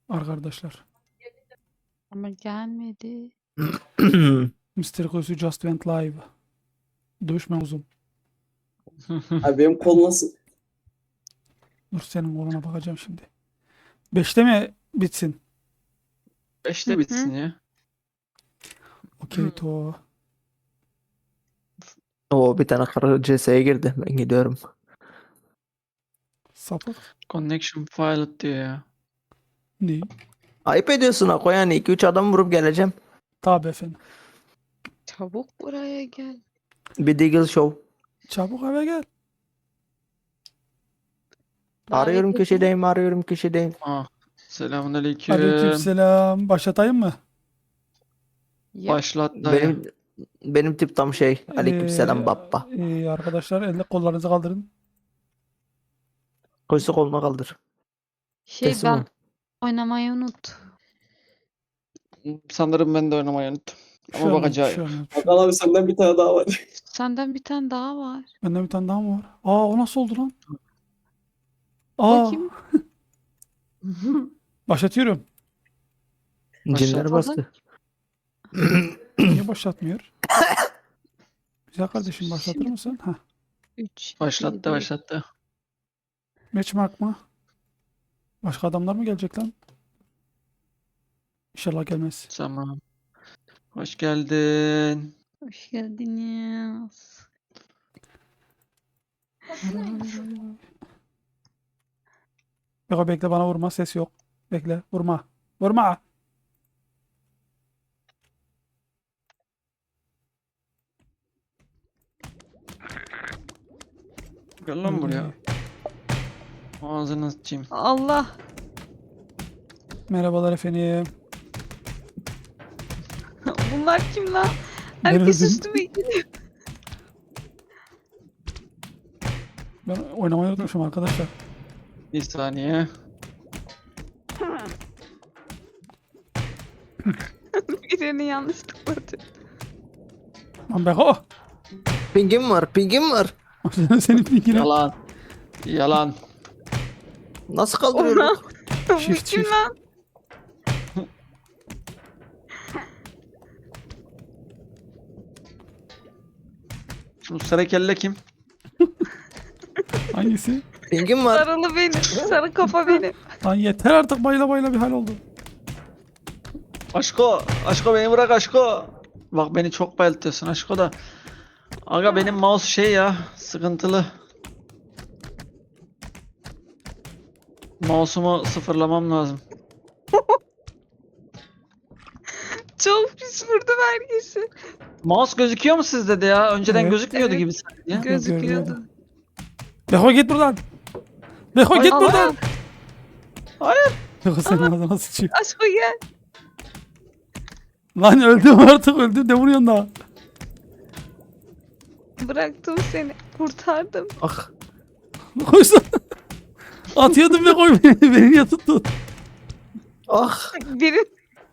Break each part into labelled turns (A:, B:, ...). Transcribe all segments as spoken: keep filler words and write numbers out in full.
A: Arkadaşlar.
B: Ama gelmedi.
A: mister Koysu just went live. Dövüşme uzun.
C: Abi benim kol nasıl?
A: Dur senin koluna bakacağım şimdi. Beşte mi bitsin?
D: Beşte bitsin ya.
A: Okey to.
E: Oo, bir tane karı C S'ye girdi. Ben gidiyorum.
A: Sapık.
D: Connection pilot diyor ya.
A: Ne?
E: Ayıp ediyorsun Ako, yani iki üç adam vurup geleceğim.
A: Tabi efendim.
B: Çabuk buraya gel.
E: Bir Deagle Show.
A: Çabuk eve gel.
E: Arıyorum
B: Davet
E: köşedeyim, arıyorum köşedeyim.
D: Ah. Selamünaleyküm.
A: Aleykümselam. Başlatayım mı?
B: Ya,
D: Başlat dayı.
E: Benim benim tip tam şey. Aleykümselam
A: Ee,
E: baba.
A: ee, arkadaşlar elle kollarınızı kaldırın.
E: Koysa koluna kaldır.
B: şey
E: Teslim
B: ben
E: ol.
B: oynamayı unut.
D: Sanırım ben de oynamayı unuttum.
A: Bir
D: Ama
A: şey olmaz, bir
D: bakacağım.
A: şey olmaz, bir şey olmaz.
C: Hakan abi senden bir tane daha var.
B: Senden bir tane daha var.
A: Bende bir tane daha mı var? Aa o nasıl oldu lan? Aa
B: Bakayım.
A: başlatıyorum.
E: Cinler
D: Başlat.
E: bastı.
A: Niye başlatmıyor? Güzel kardeşim başlatır mısın? Heh.
B: üç.
D: Başlattı başlattı.
A: Matchmark mı? Başka adamlar mı gelecek lan? İnşallah gelmez.
D: Tamam. Hoş geldin.
B: Hoş geldiniz.
A: Beko bekle bana vurma, ses yok. Bekle vurma. Vurma.
D: Gel lan buraya. Ağzını sıçayım.
B: Allah.
A: Merhabalar efendim.
B: Bunlar kim lan?
A: Ben
B: Herkes
A: öldüm.
B: üstüme gidiyor.
A: Ben oynamayı unutmuşum arkadaşlar.
D: Bir saniye.
B: Birini yanlış tıkladı.
A: Lan Beko.
E: Pingim var, pingim var.
A: Senin linkine.
D: Yalan. Yalan.
E: Nasıl kaldırıyorum?
B: Bu
A: Shift,
B: kim
A: shift.
B: lan?
D: Şu sarı kelle kim?
A: Hangisi?
E: Pingim var.
B: Sarılı benim. Sarı kafa benim.
A: Lan yeter artık bayla bayla bir hal oldu.
D: Aşko. Aşko beni bırak Aşko. Bak beni çok bayıltıyorsun Aşko da. Aga benim mouse şey ya. Sıkıntılı. Mouse'umu sıfırlamam lazım.
B: Çok pis vurdum herkesi.
D: Mouse gözüküyor mu sizde de ya? Önceden
A: Evet.
D: gözükmüyordu
B: Evet.
D: gibi sanki ya.
B: Gözüküyordu.
A: Beko git buradan. Beko
D: Ay,
A: git
D: Allah.
A: buradan.
D: Hayır.
A: Beko senin ağzına sıçayım.
B: Aşko gel.
A: Lan öldüm artık öldüm de vuruyorsun daha.
B: Bıraktım seni. Kurtardım.
E: Ah.
A: Koysun. Atıyordum ve koy beni. Beni niye tuttun?
E: Ah.
B: Biri...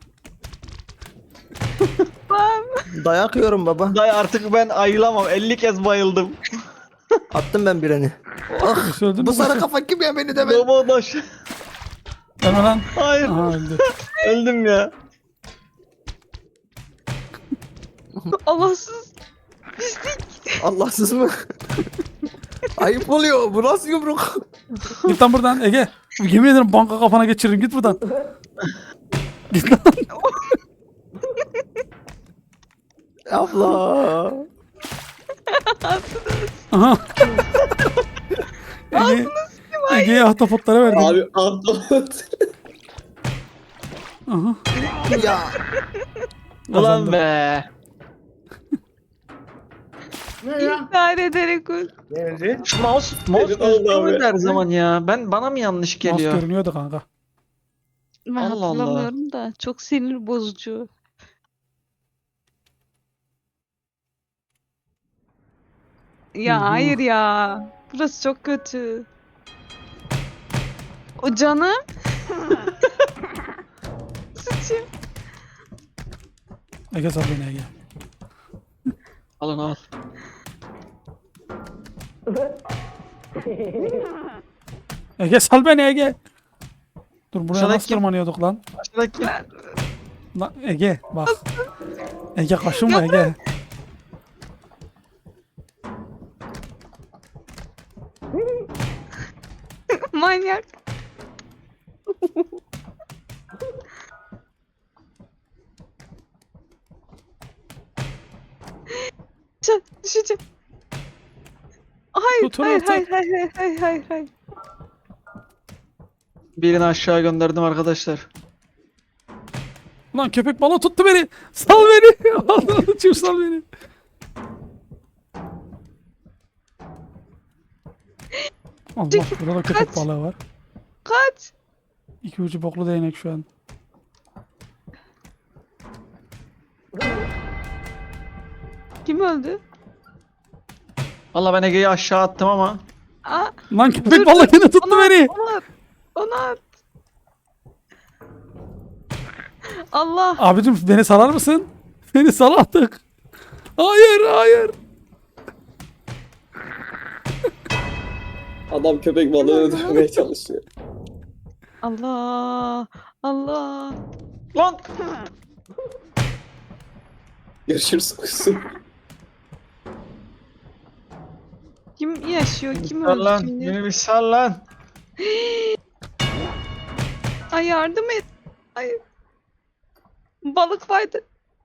B: Bam.
E: Dayak yiyorum baba.
D: Dayı artık ben ayılamam. elli kez bayıldım.
E: Attım ben birini. Ah.
A: Koysun öldün mü?
E: Bu sarı
A: Koysun?
E: kafa kim ya, beni de ben.
D: Domodaş.
A: Deme lan.
D: Hayır.
A: Aha öldü.
D: Öldüm ya.
B: Allahsız. Pislik.
E: Allahsız mı? Ayıp oluyor. Bu nasıl yumruk?
A: Git lan buradan Ege. Yemin ederim banka kafana geçiririm. Git buradan. Git lan.
E: Abla.
A: Aha. Ege, Ege'ye ahtapotlara verdim.
C: Abi Antalya.
A: Aha.
E: Ya.
D: Ulan
A: Kazandım.
D: be.
B: İntihar ederek öl.
D: Şu mouse, mouse
C: Senin oldu
D: gözüküyor
C: abi.
D: muydu her zaman ya? Ben bana mı yanlış
A: Mouse
D: geliyor?
A: görünüyordu kanka.
B: Ben
D: Allah Allah.
B: hatırlamıyorum da. Çok sinir bozucu. Ya
A: Hı hı.
B: hayır ya. Burası çok kötü. O canım. Sıçayım.
A: Ege sal beni Ege.
D: Alın al.
A: Ege sal beni Ege. Dur buraya
D: Aşağıdaki
A: nasıl
D: kim?
A: tırmanıyorduk lan?
D: Aşağıdaki.
A: Lan Ege bak. Ege kaşınma Ege.
B: Manyak. Düşeceğim, düşeceğim. Hayır,
A: Tutun
B: hayır,
A: artık.
B: hayır, hayır, hayır, hayır, hayır, hayır.
D: Birini aşağı gönderdim arkadaşlar.
A: Lan köpek balığı tuttu beni. Sal beni. Allah'ım çift sal beni. Allah burada da köpek
B: Kaç.
A: balığı var.
B: Kaç.
A: İki ucu boklu değnek şu an.
B: Kim öldü?
D: Valla ben Ege'yi aşağı attım ama.
B: Aa,
A: Lan köpek
B: dur,
A: balığı
B: dur.
A: yine tuttu
B: Ona at,
A: beni.
B: Ona at. Ona at. Allah.
A: Abicim beni salar mısın? Beni sal artık. Hayır hayır.
C: Adam köpek balığını öldürmeye çalışıyor.
B: Allah. Allah.
D: Lan!
C: Görüşürüz kuzum.
B: Kim yaşıyor? Kim
D: Sal
B: öldü
D: lan.
B: şimdi?
D: Beni bir sal lan.
B: Ay yardım et. Ay. Balık vardı.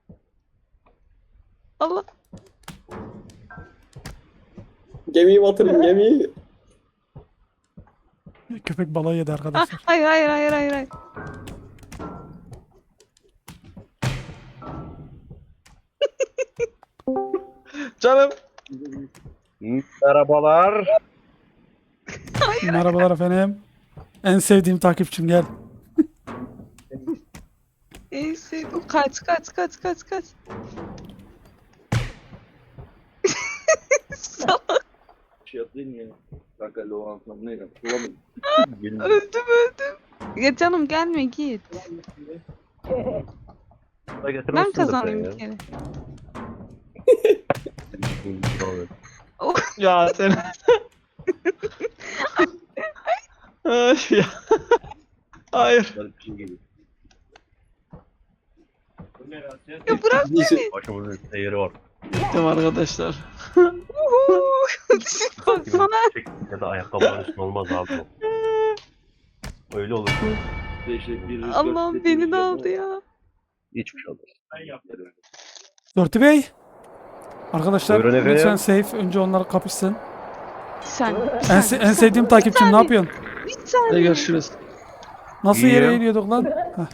B: Allah.
C: Gemiyi batırın gemiyi.
A: Köpek balığı yedi
B: Ah,
A: arkadaşlar.
B: hayır hayır hayır hayır hayır.
D: Canım.
F: Merhabalar.
A: Merhabalar efendim. En sevdiğim takipçim gel.
B: Neyse. Kaç kaç kaç kaç kaç. Salak.
F: Şey yapayım ya. Kanka Loğan ne yapayım?
B: Öldüm öldüm. Ya canım gelme git. Ben kazanayım bir kere.
D: Ya sen. Ay ya. Hayır.
B: Ya bırak beni.
F: Başımızın seyri var.
D: Gittim arkadaşlar.
B: Baksana.
F: Ya da ayakkabıların üstüne olmaz abi. Öyle olur.
B: Allah'ım beni de aldı ya.
F: Hiçbir şey olmaz.
A: Dörtü Bey. Arkadaşlar
F: Buyurun efendim.
A: lütfen safe. Önce onlar kapışsın.
B: Sen.
A: En, se- en sevdiğim takipçim ne yapıyorsun?
B: Bir
D: Hadi
B: saniye.
D: görüşürüz.
A: Nasıl
F: İyiyim.
A: yere eğiliyorduk lan? Heh.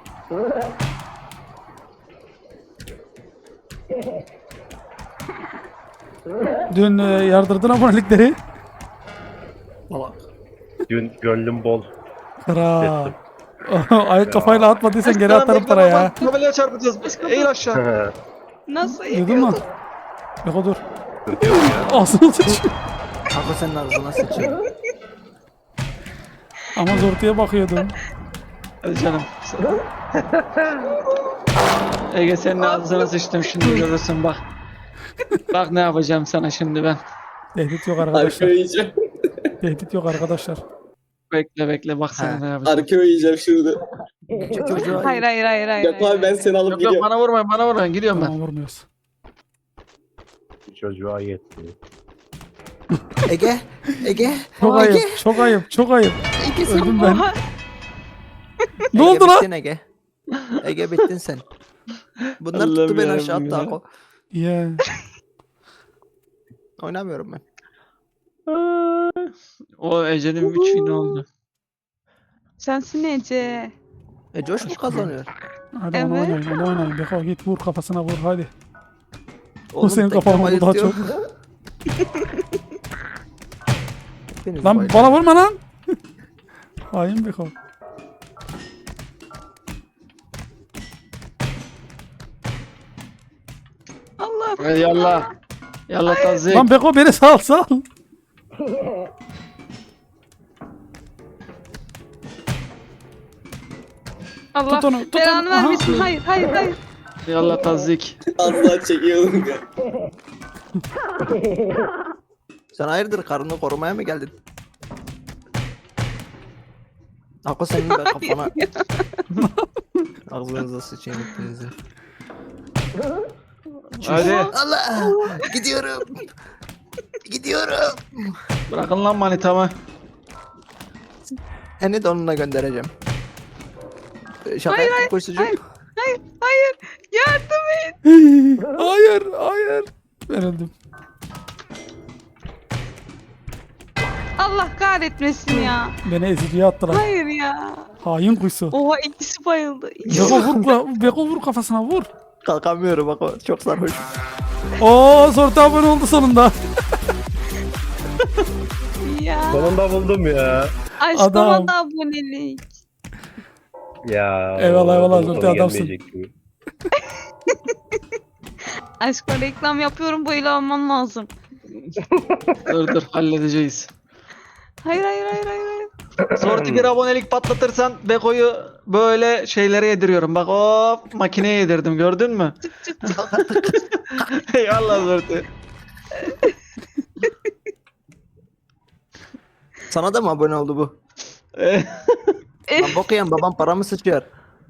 A: Dün e, yardırdın abonelikleri.
F: Dün gönlüm bol.
A: Kral. Ayak kafayla atmadıysan geri atarım
D: Bekle
A: para
D: baba,
A: ya.
D: Tabelaya çarpacağız. Eğil aşağı.
B: Nasıl
A: Duydun mu?
B: yediyordun?
A: Yok dur.
F: Yok ya.
A: Ağzını sıçıyor.
E: Kanka senin ağzına sıçayım.
A: Ama zortuya bakıyordum.
D: Hadi canım. Ege senin ağzına sıçtım şimdi görürsün bak. Bak ne yapacağım sana şimdi ben.
A: Tehdit yok
C: Arka
A: arkadaşlar.
C: yiyeceğim.
A: Tehdit yok arkadaşlar.
D: Bekle bekle bak sana
E: Ha.
D: ne yapacağım.
C: Arka yiyeceğim şimdi.
E: Çocuğa
B: Hayır hayır hayır hayır.
C: Yok
B: hayır,
C: abi ben
B: hayır.
C: seni alıp
D: Yok yok
C: gidiyorum.
D: bana vurmayın bana vurmayın gidiyorum ben.
A: Tamam vurmuyoruz.
F: Çocuğa yetti.
E: Ege, Ege,
A: Çok
E: Ege,
A: ayıp, çok ayıp, çok ayıp.
E: Ege sen.
A: Öldüm ben.
B: Oha.
A: Ne
E: Ege,
A: oldu lan?
E: bittin Ege. Ege bittin sen. Bunlar
D: Allah'ım
E: tuttu beni
D: yarabbim
E: aşağı attı
D: ya.
E: Ako.
A: Yeah.
E: Oynamıyorum ben.
D: O Ece'nin üç win oldu.
B: Sensin Ece.
E: E Coş mu kazanıyor?
A: Hadi
B: Evet.
A: onu oynayın, onu oynayın. Beko git vur kafasına vur hadi.
E: Oğlum,
A: senin
E: tek
A: kafan
E: kafa
A: oldu daha
E: istiyor. Hepiniz
A: Lan
E: bayılın.
A: bana vurma lan. Hain Beko.
B: Allah.
D: Hadi yallah. Yallah tazik.
A: Lan Beko beni sal sal.
B: Allah.
A: Tut onu, tut
B: Belanı
A: onu. Aha.
B: vermesin. Hayır hayır hayır.
D: Yallah tazik.
C: Az daha çekiyordum ya.
E: Sen hayırdır karını korumaya mı geldin? Ako senin de kafana. Ağzınıza sıçayım hepinizi.
D: Hadi.
E: Allah! Gidiyorum. Gidiyorum.
D: Bırakın lan manitamı.
E: Seni de onunla göndereceğim. Ee, Şaka
B: Hayır,
E: yaptım koşucu.
B: hayır. Hayır, hayır. Yardım et.
A: Hayır, hayır. Ben öldüm.
B: Allah kahretmesin ya.
A: Beni eziciye attılar.
B: Hayır ya.
A: Hain kuyusu.
B: Oha ikisi bayıldı.
A: Beko vur, ka- Beko vur kafasına vur.
E: Kalkamıyorum bak o çok sarhoş.
A: Oo, Sortu abone oldu sonunda.
B: Ya.
F: Sonunda buldum ya.
B: Aşk
A: Adam.
B: ona da abonelik.
F: Ya.
A: Eyvallah, eyvallah,
F: sonu
A: Zülfü, adamsın.
F: gelmeyecek gibi.
B: Aşkına reklam yapıyorum bu ile almam lazım.
D: Dur dur halledeceğiz.
B: Hayır hayır hayır hayır. hayır.
D: Sorti bir abonelik patlatırsan Beko'yu böyle şeylere yediriyorum. Bak hop makineye yedirdim gördün mü? Eyvallah Sorti.
E: Sana da mı abone oldu bu?
D: Eh,
E: Lan bok yiyen babam paramı sıçıyor.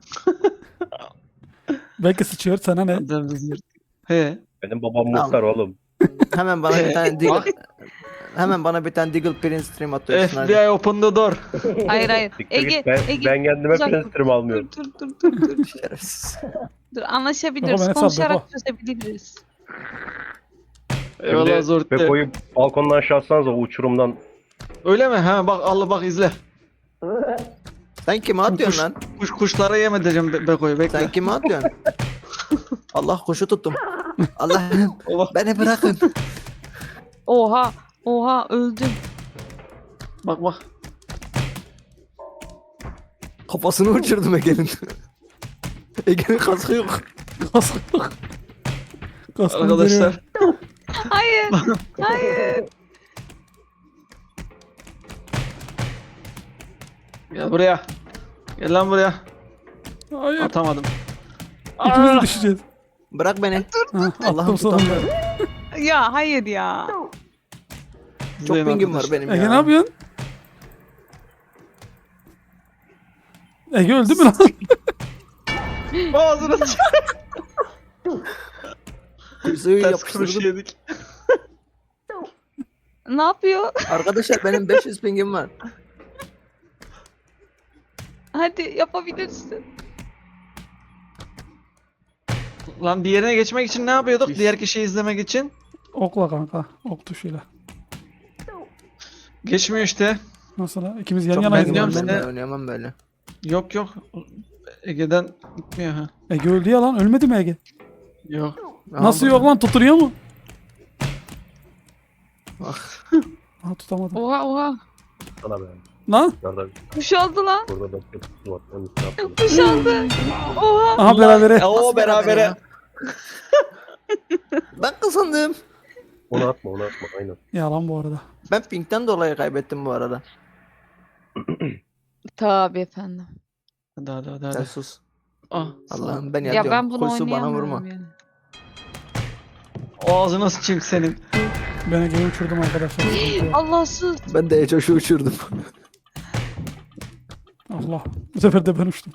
A: Belki sıçıyor sana ne?
D: He.
F: Benim babam muhtar oğlum.
E: Hemen bana bir tane Deagle... Hemen bana bir tane Deagle Prince stream atıyorsun
D: F
E: hadi.
D: B I open the door.
B: Hayır hayır.
F: Siktir
B: Ege,
F: git, ben,
B: Ege.
F: ben kendime
B: uzak dur.
F: prensiplerimi almıyorum.
B: Dur dur dur dur. dur.
E: Şerefsiz.
B: Dur anlaşabiliriz.
A: Beko beni sal,
B: Konuşarak
A: Beko.
B: çözebiliriz.
D: Eyvallah
F: Şimdi
D: Zorti.
F: Beko'yu balkondan aşağı atsanız o uçurumdan.
D: Öyle mi? Ha bak Allah bak izle.
E: Sen kime atıyorsun lan?
D: Kuş kuşlara yem edeceğim Be- Beko'yu bekle.
E: Sen kime atıyorsun? Allah kuşu tuttum. Allah'ım
D: Allah.
E: beni bırakın.
B: Oha. Oha öldüm.
D: Bak bak.
E: Kafasını uçurdum Ege'nin. Ege'nin kaskı yok.
A: Kaskı yok. Kaskını
D: Arkadaşlar.
A: görüyorum.
B: Hayır. Hayır.
D: Gel buraya. Gel lan buraya.
A: Hayır.
D: Atamadım.
A: İkimiz
D: Aa!
A: düşeceğiz.
E: Bırak beni.
A: Ha,
E: Allah'ım
A: attım sonunda.
E: tutamıyorum.
B: Ya hayır ya.
E: Çok
D: İzleyin
E: pingim var
D: arkadaşlar.
E: benim
A: Ege
E: ya.
A: ne yapıyorsun? Ege öldü mü lan?
D: Ağzına sıç-
E: Suyu
D: Ters kuruş
E: yapıştırdım.
D: yedik.
B: Ne yapıyor?
E: Arkadaşlar benim beş yüz pingim var.
B: Hadi yapabilirsin.
D: Lan diğerine geçmek için ne yapıyorduk? Diğer kişiyi izlemek için.
A: Okla kanka. Ok tuşuyla.
D: Geçmiyor işte.
A: Nasıl lan? İkimiz yan
E: Çok
A: yanayız.
D: ben diyorum
E: pingim var,
A: lan.
D: size-
E: ben de oynayamam böyle.
D: Yok yok. Ege'den gitmiyor ha.
A: Ege öldü ya lan. Ölmedi mi Ege?
D: Yok.
A: Nasıl
E: Aha,
A: yok lan? Tuturuyor mu?
E: Ah.
A: Ha tutamadım.
B: Oha oha.
F: Sana be.
A: Lan.
F: Nerede?
B: Kuş aldı lan.
F: Burada da kutu var. Onun üstüne atladım.
B: Kuş aldı. Oha.
A: Aha berabere.
D: O
E: Nasıl
D: berabere.
E: ya? Ben kazandım.
F: Onu atma onu atma aynen.
A: Yalan bu arada.
E: Ben pingden dolayı kaybettim bu arada.
B: Tabii efendim.
D: Hadi hadi hadi.
E: Sen
D: hadi.
E: sus.
D: Ah.
E: Allah'ım ben
B: Ya
E: yatıyorum.
B: ben bunu
E: Kuyusu bana
B: oynayamıyorum
E: vurma.
B: yani.
D: Ağzına sıçayım senin.
A: Ben Ege'yi uçurdum arkadaşlar. Sıkıntı yok.
B: Allahsız.
E: Ben de Ecoş'u uçurdum.
A: Allah. Bu sefer de ben uçtum.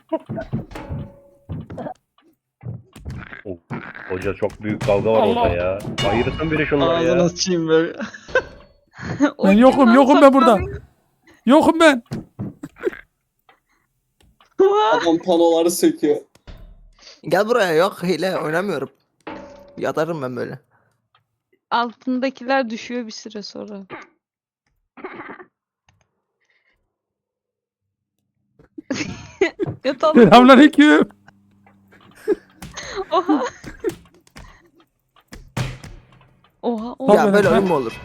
F: Oh, hoca çok büyük kavga var
A: Allah.
F: orada ya. Ayırırsın biri şunları
D: Ağzına
F: ya.
D: sıçayım böyle.
B: O
A: Ben
B: kim
A: yokum
B: lan?
A: yokum ben burada.
B: Saklanıyor.
A: Yokum ben.
C: Adam panoları söküyor.
E: Gel buraya yok hile oynamıyorum. Yatarım ben böyle.
B: Altındakiler düşüyor bir süre sonra. Yatalım.
A: Selamünaleyküm.
B: Oha. Oha. Oha.
E: Ya
A: ben-
E: böyle
A: ben-
E: oyun mu olur?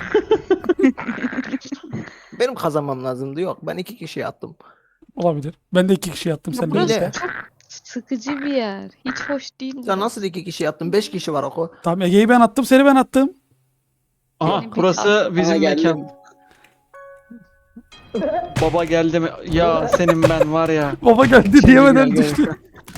E: Benim kazanmam lazımdı yok. Ben iki kişiye attım.
A: Olabilir. Ben de iki kişi yattım sen de
B: Burası
A: işte.
B: çok sıkıcı bir yer. Hiç hoş değil.
E: Sen
B: burası.
E: nasıl iki kişi attın? Beş kişi var oku.
A: Tamam Ege'yi ben attım seni ben attım.
D: Aha
B: Benim bir
D: burası
B: aklım-
D: bizim
C: Aha, geldim.
D: mekan. Baba geldi mi? Ya senin ben var ya.
A: Baba geldi
D: Şimdi
A: diyemeden
D: gel, gel.
A: düştü.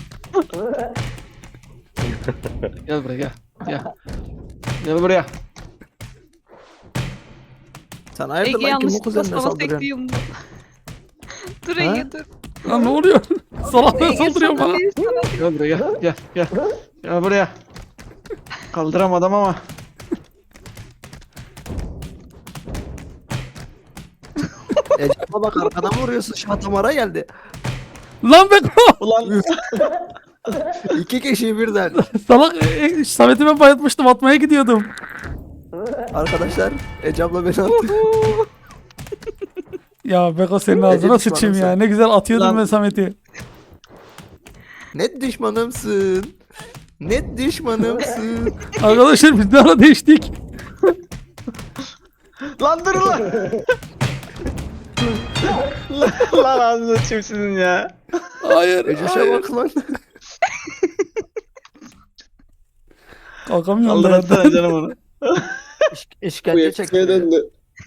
D: Gel buraya gel. Gel. Gel buraya.
E: Sen hayırdır
B: Ege
E: lan kim bu
B: yanlışlıkla
E: kuzenine
B: sana
E: saldırıyorsun?
B: sekti yumruğu. Dur
E: Ha?
B: Ege dur.
A: Lan ne oluyor? Salaklar
B: Ege
A: saldırıyor
B: sana
A: bana.
B: değil, sana değil.
D: Gel buraya gel gel gel. Gel buraya. Kaldıramadım ama.
E: Ecap'a bak arkadan vuruyorsun. Şatamara geldi.
A: Lan Beko.
D: Ulan
E: İki kişi birden.
A: Salak e, e, Samet'i ben bayatmıştım, atmaya gidiyordum.
E: Arkadaşlar Ecap'la beni attı.
A: Ya Beko senin ağzına
E: düşmanım
A: sıçayım ya.
E: sen.
A: Ne güzel atıyordum
D: Lan.
A: ben Samet'i.
E: Net düşmanımsın. Net düşmanımsın.
A: Arkadaşlar biz ne ara değiştik?
D: lan dur lan. lan, lan ağzını açayım sizin ya.
A: Hayır.
E: Ecap'a
A: hayır.
E: bak lan.
A: Kalkamıyorum da
D: Kaldıratsana
A: yerden.
D: canım onu.
E: İş,
C: Bu
E: işkence
C: yetişmeye
E: çekti.
C: döndü.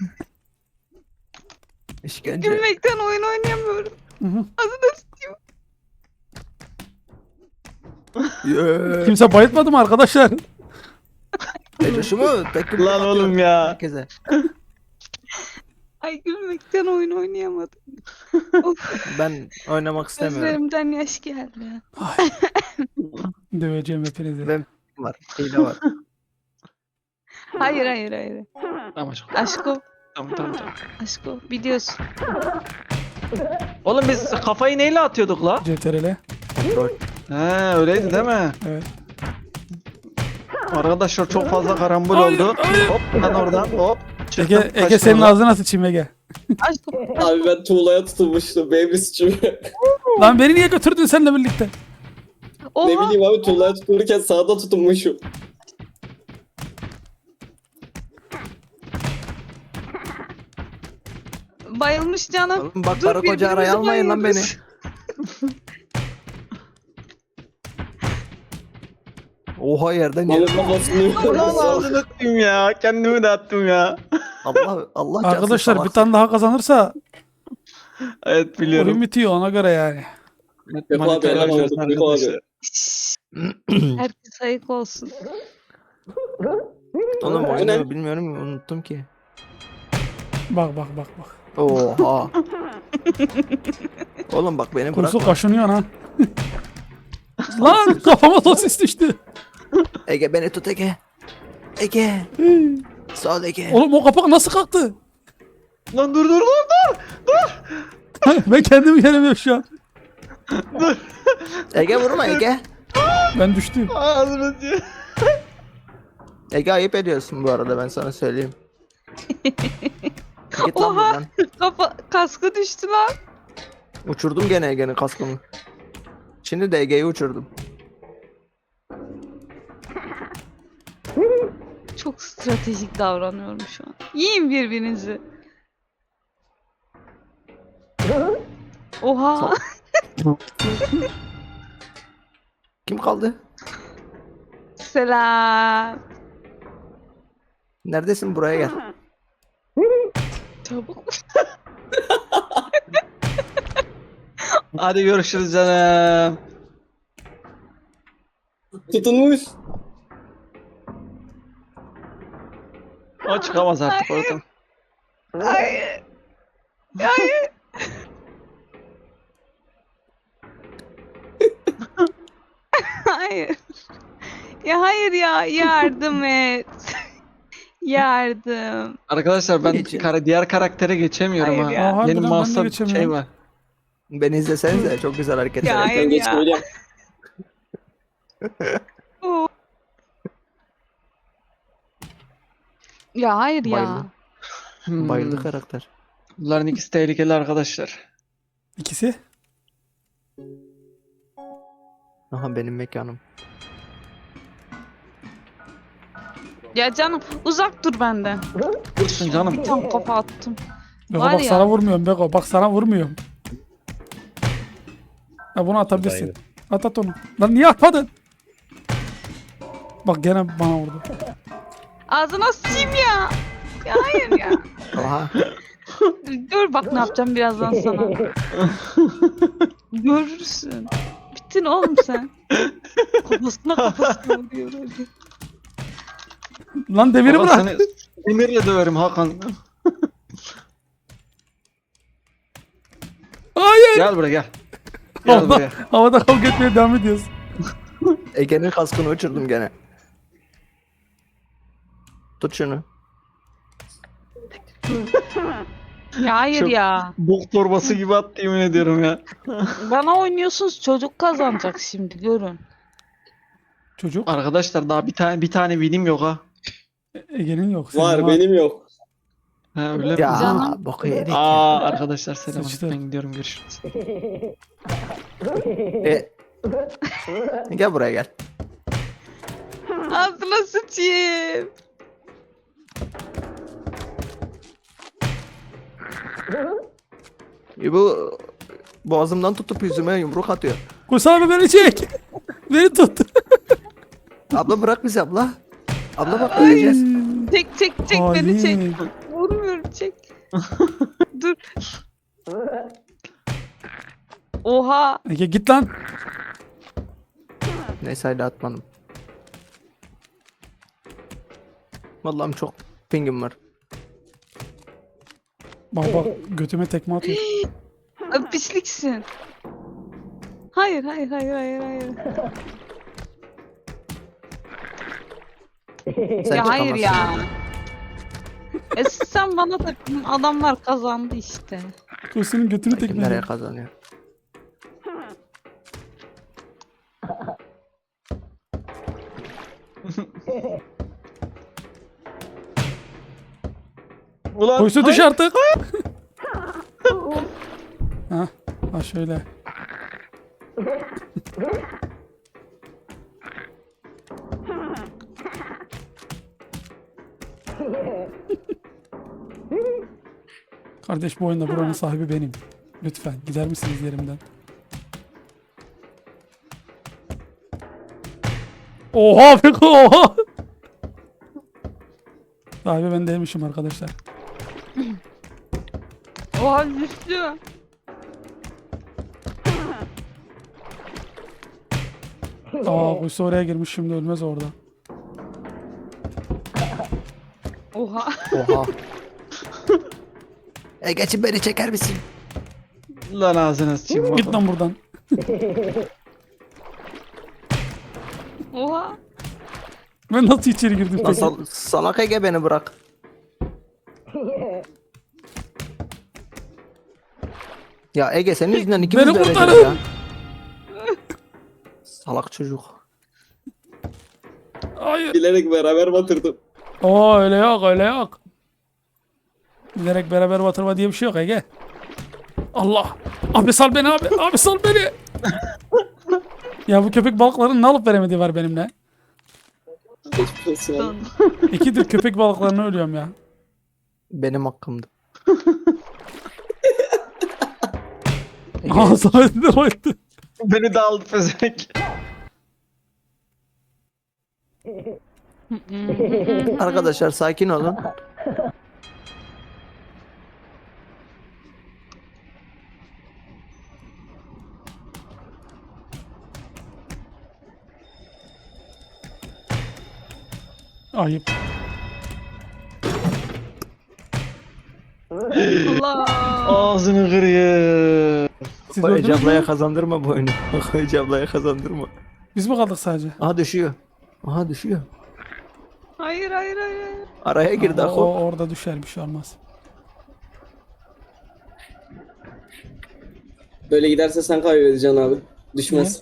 E: İşkence.
B: Gülmekten oyun oynayamıyorum.
A: Hı hı.
B: Ağzına sıçayım.
E: Yeah.
A: Kimse bayıltmadı mı arkadaşlar?
E: Ecap'ı mı? Tekrar
D: Lan oğlum ya.
E: Herkese.
B: Ay gülmekten oyun oynayamadım. Of,
E: Ben oynamak istemiyorum.
B: gözlerimden yaş geldi.
A: Döveceğim hepinizi.
E: Ben var. Hile var.
B: Hayır hayır hayır.
D: Tamam aşkım.
B: Aşko.
D: Tamam tamam tamam.
B: Aşko biliyorsun.
D: Oğlum biz kafayı neyle atıyorduk la?
A: C T R L.
E: Kontrol.
D: He öyleydi değil mi?
A: Evet.
D: Arkadaşlar çok fazla karambol
A: Hayır,
D: oldu.
A: hayır.
D: Hop ben oradan hop. Çıktım,
A: Ege, Ege
D: kaçtım
A: senin
D: oradan.
A: ağzına sıçayım Ege.
B: Aşko.
C: Abi ben tuğlaya tutulmuştum. Baby sıçıyor.
A: Lan beni niye götürdün seninle birlikte?
B: Oha.
C: Ne bileyim abi tuğlaya tutulurken sağda tutunmuşum.
B: Bayılmış canım.
E: Oğlum bak
B: Dur,
E: karı koca araya
B: birbirimizi
E: almayın lan beni.
B: bayıyoruz.
E: Oha yerden
C: Malın
E: yere.
C: kafasını
D: Lan ağzını attım ya. Kendimi de attım ya.
E: Allah Allah çarpsın
A: Arkadaşlar bir
E: salak.
A: tane daha kazanırsa
D: Evet
A: oyun
D: biliyorum.
A: bitiyor ona göre yani.
C: Yok abi
D: Manita
C: helal
D: yapacağız
C: olsun. Yok abi.
D: arkadaşlar.
B: Herkes ayık olsun.
E: Oğlum oyunu
C: Aynen.
E: bilmiyorum ki, unuttum ki.
A: Bak bak bak bak.
E: Oha. Oğlum bak beni bırak.
A: Kursu kaşınıyor ha. Lan kafama sosis düştü.
E: Ege beni tut Ege. Ege. Sağ ol Ege.
A: Oğlum o kapak nasıl kalktı?
D: Lan dur dur dur dur.
A: Ben kendimi göremiyorum şu an.
E: Ege vurma Ege.
A: Ben düştüm.
D: Ağzını açıyor.
E: Ege ayıp ediyorsun bu arada ben sana söyleyeyim. Git lan
B: Oha.
E: buradan.
B: Kafa, kaskı düştü lan.
E: Uçurdum gene Ege'nin kaskını. Şimdi de Ege'yi uçurdum.
B: Çok stratejik davranıyorum şu an. Yiyin birbirinizi. Oha.
E: Kim kaldı?
B: Selam.
E: Neredesin buraya gel.
B: Çabuk.
D: Hadi görüşürüz canım.
C: Tutunmuş.
D: O çıkamaz artık oradan.
B: Hayır. Hayır. Hayır. Ya hayır ya yardım et. Yardım.
D: Arkadaşlar ben
E: Geçin.
D: kara, diğer karaktere geçemiyorum
B: Hayır
D: ha.
B: ya.
A: Aa, harbiden
D: Benim
A: ben de
D: mouse'da bir
A: geçemiyorum.
D: şey var.
E: Beni izlesenize çok güzel hareketler
B: Ya,
E: yapıyorum.
C: Ben
B: hayır ya.
C: geçmeyeceğim.
B: Oo. Ya hayır ya.
E: Bayıldım.
D: Hmm.
E: Bayıldı karakter.
D: Bunların ikisi tehlikeli arkadaşlar.
A: İkisi.
E: Aha benim mekanım.
B: Ya canım uzak dur benden.
D: Dursun canım.
B: Tam kafa attım.
A: Beko
B: Var
A: bak
B: ya.
A: sana vurmuyorum Beko. Bak sana vurmuyorum. Ya bunu atabilirsin.
F: Aynen.
A: At at onu. Lan niye atmadın? Bak gene bana vurdu.
B: Ağzına sıçayım ya. Ya hayır ya.
E: Aha.
B: Gör bak ne yapacağım birazdan sana. Görürsün. Bittin oğlum sen. Kafasına kafasına vuruyor öyle.
A: Lan demiri
D: Baba
A: bırak.
D: seni demirle döverim Hakan.
A: Hayır.
D: Gel buraya gel. Gel
A: Havada,
D: buraya.
A: havada kavga etmeye devam ediyoruz.
E: Ege'nin kaskını uçurdum gene. Tut şunu.
B: Ya hayır
D: Çok-
B: ya.
D: Bok torbası gibi attı yemin ediyorum ya.
B: Bana oynuyorsunuz, çocuk kazanacak şimdi görün.
A: Çocuk.
D: Arkadaşlar daha bir tane bir tane vinim yok ha.
A: Ege'nin yok. senin
C: Var benim yok.
D: Ha öyle mi?
E: Ya
B: Canım.
E: boku yedik ya.
D: Aa arkadaşlar selam.
A: Sıçtı.
D: Ben gidiyorum görüşürüz.
E: E, gel buraya gel.
B: Ağzına sıçayım.
E: E, bu boğazımdan tutup yüzüme yumruk atıyor.
A: Kus abi beni çek. Beni tut.
E: Abla bırak bizi abla. Abla bak öleceğiz.
B: Çek çek çek beni çek.
A: Hain.
B: Vurmuyorum çek. Dur. Oha.
A: Ege git lan.
E: Neyse hala atmadım. Vallahi çok pingim var.
A: Bak bak götüme tekme atıyor.
B: Ay, pisliksin. Hayır hayır hayır hayır hayır.
E: Sen
B: ya hayır ya.
E: çıkamazsın.
B: E sen bana takıldın, adamlar kazandı işte.
A: O senin götünü
E: Kim
A: tekme
E: nereye
A: atıyor.
E: kazanıyor?
D: Ulan
A: Koysu düş artık. ha, ha şöyle. Kardeş bu oyunda buranın sahibi benim. Lütfen gider misiniz yerimden? Oha peki oha. Sahibi ben değilmişim arkadaşlar.
B: Oha düştü.
A: Aa kuyusu oraya girmiş şimdi ölmez orada.
B: Oha.
E: Oha. E geçin beni çeker misin?
D: lan ağzına sıçayım.
A: Git lan buradan.
B: Oha.
A: Ben nasıl içeri girdim?
E: Lan
A: peki?
E: sal- salak Ege beni bırak. Ya Ege senin yüzünden ikimiz
A: Beni
E: de öleceğiz
A: kurtarın.
E: ya. Salak çocuk.
A: Hayır.
C: Bilerek beraber batırdım.
A: Oo öyle yok öyle yok. Bilerek beraber batırma diye bir şey yok Ege. Allah. Abi sal beni abi. Abi sal beni. ya bu köpek balıklarının ne alıp veremediği var benimle.
C: Geçmiş olsun abi.
A: İkidir köpek balıklarına ölüyorum ya.
E: Benim hakkımdı.
A: Aa Samet'in de bayıldı.
D: Beni de aldı pezevenk.
E: Arkadaşlar sakin olun.
A: Ayıp.
B: Allah.
D: Ağzını kırıyor.
A: Siz
E: O Ece
A: öldünüz
E: ablaya
A: mü?
E: kazandırma bu oyunu. O Ece ablaya kazandırma.
A: Biz mi kaldık sadece?
E: Aha düşüyor. Aha düşüyor.
B: Hayır hayır hayır. hayır.
E: Araya girdi
A: Aa, o,
E: Ako.
A: orada düşer bir şey olmaz.
C: Böyle giderse sen kaybedeceksin abi. Düşmez.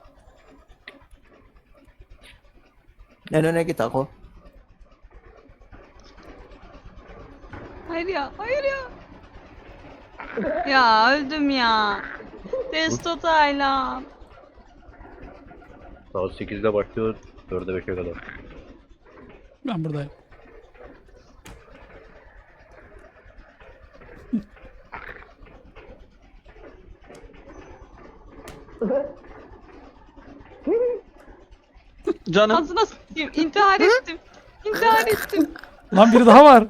E: En öne git Ako.
B: Hayır ya hayır ya. Ya öldüm ya. Testo Taylan.
F: Saat sekizde başlıyor. dörde beşe kadar.
A: Ben buradayım.
D: Canım.
B: Ağzına sıçayım. İntihar ettim. İntihar ettim.
A: Lan biri daha var.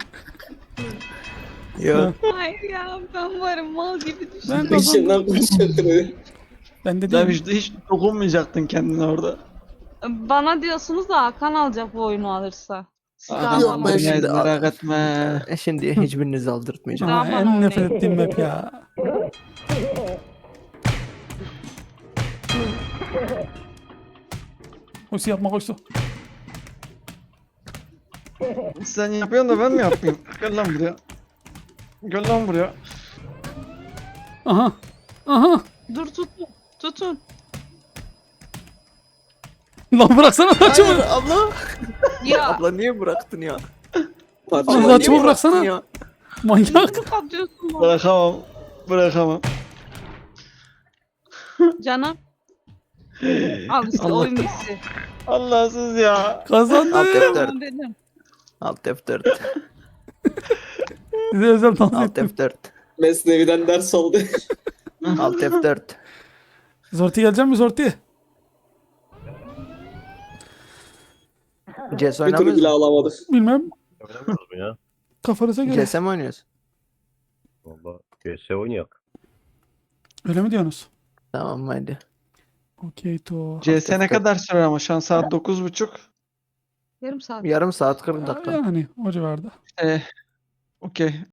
E: Yo.
B: Hayır ya ben varım mal gibi düştüm.
A: Ben kazandım.
C: Peşinden koşuyor.
A: Ben de
D: Sen
A: değilim.
D: hiç, hiç dokunmayacaktın kendine orada.
B: Bana diyorsunuz da Hakan alacak bu oyunu alırsa.
D: Adam
E: Yok, ben
D: dünyayı
E: şimdi-
D: merak etme.
E: E, Şimdi hiçbirinizi aldırtmayacağım.
A: Aa,
B: Aman
A: en
B: o
A: nefret
B: ne?
A: ettiğim map ya. Koşu yapma koştu.
D: Sen yapıyorsun da ben mi yapayım? Gel lan buraya. Gel lan buraya.
A: Aha. Aha.
B: Dur tutun. Tutun.
A: Lan bıraksana
E: Hayır
A: saçımı.
E: abla.
B: Ya.
E: Abla niye bıraktın ya?
C: Parça.
A: Allah
E: Abla,
A: saçımı
E: niye
A: bıraksana.
E: bıraktın ya?
A: Manyak.
B: Nasıl kapatıyorsun bana?
D: Bırakamam. Bırakamam.
B: Canım. Al işte
D: Allah.
B: oyun bitti.
D: Allahsız ya.
A: Kazandım.
E: Alt F dört.
B: Tamam dedim.
E: Alt F dört.
A: Size özel dans
E: Alt
A: ettim.
E: F dört.
C: Mesnevi'den ders oldu.
E: Alt F dört.
A: Zorti gelecek mi Zorti?
E: C S
C: Bir türlü
E: oynamıyoruz
C: bile
E: mu?
C: alamadık.
A: Bilmem.
F: Oynamıyoruz mu ya?
A: Kafanıza göre.
E: C S mi oynuyoruz?
F: Valla G S oynayak.
A: Öyle mi diyorsunuz?
E: Tamam hadi.
A: Okey to.
D: C S ne kadar sürer ama şu an saat dokuz buçuk.
B: Yarım saat.
E: Yarım saat kırk dakika.
A: Yani o civarda.
D: Ee, okey.